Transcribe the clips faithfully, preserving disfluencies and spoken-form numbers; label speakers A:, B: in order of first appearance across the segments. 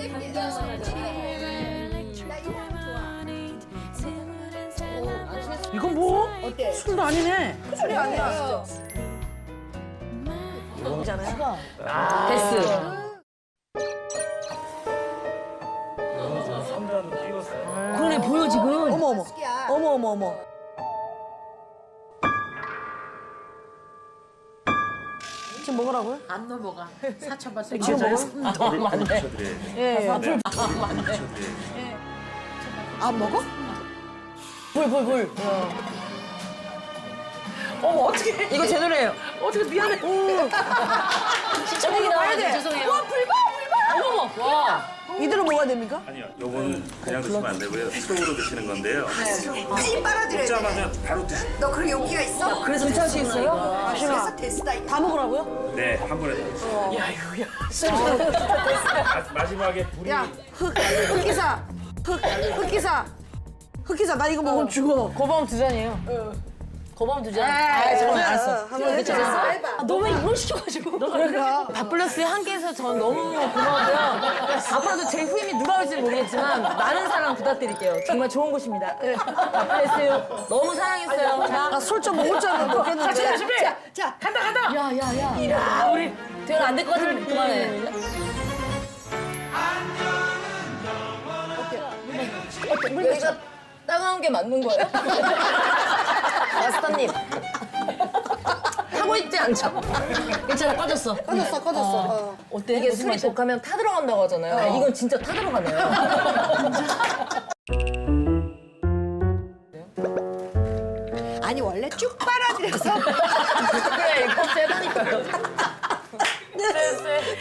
A: 이건 뭐?
B: 어때?
A: 술도 아니네.
B: 술이 아니야.
A: 이잖아요.
C: 데스. 그러네, 보여, 지금.
B: 어머 어머. 어머 어머 어머. 지금 먹으라고요?
D: 안 넘어가. 사쳐봤어.
B: 지금 먹어요?
C: 아, 맞네.
B: 예. 예.
C: 불, 아, 맞네.
B: 안 먹어?
C: 불, 불, 불.
A: 어머, 어떻게.
C: 이거 제 노래예요.
A: 어떻게 미안해.
C: 시청률이 나와야 돼. 죄송해요.
B: 와 불봐 불봐.
C: 어머, 와.
B: 이대로 먹어야 됩니까?
E: 아니요, 요거는 그냥 드시면 안 되고요. 수동으로 드시는 건데요.
F: 힘 빨아들여야 돼.
E: 먹자마자 바로 드시면
F: 너 그런 용기가 있어?
C: 그래서 괜찮으시 있어요?
B: 아시나?
F: 됐다.
B: 다 먹으라고요?
E: 네, 한 번에 다 드세요.
A: 야, 이거, 야.
E: 마- 마지막에 불이
B: 야, 흑, 흑기사. 흑, 흑기사. 흑기사, 나 이거 먹으면 죽어.
C: 고범 두 잔이에요. 고범 두 잔.
B: 아,
C: 저는
B: 아,
C: 알았어.
B: 한번 해줘.
C: 아, 너무 이걸 시켜가지고.
B: 그러니까.
C: 밥플러스에 함께해서 전 너무 고마워요. 앞으로도 제 후임이 누가 올지 모르겠지만 많은 사랑 부탁드릴게요. 정말 좋은 곳입니다. 밥플러스 너무 사랑했어요. 자,
B: 나 술 좀 먹을 줄 알고 먹겠는데.
A: 자, 준비.
B: 자, 자.
A: 간다, 간다.
C: 야, 야, 야.
A: 야, 우리.
C: 대현 안될 것 같으면 그만해. 여기가 따가운 게 맞는 거예요? 마스터님. 하고 있지 않죠? 괜찮아, 꺼졌어.
B: 꺼졌어, 꺼졌어. 어.
C: 어때? 이게 술이 독하면 타 들어간다고 하잖아요. 이건 진짜 타 들어가네요.
F: 아니 원래 쭉 빨아들여서
C: 그래, 이거 세다니까요. 쎄, 쎄.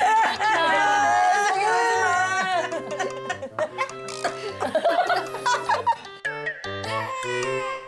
C: 야,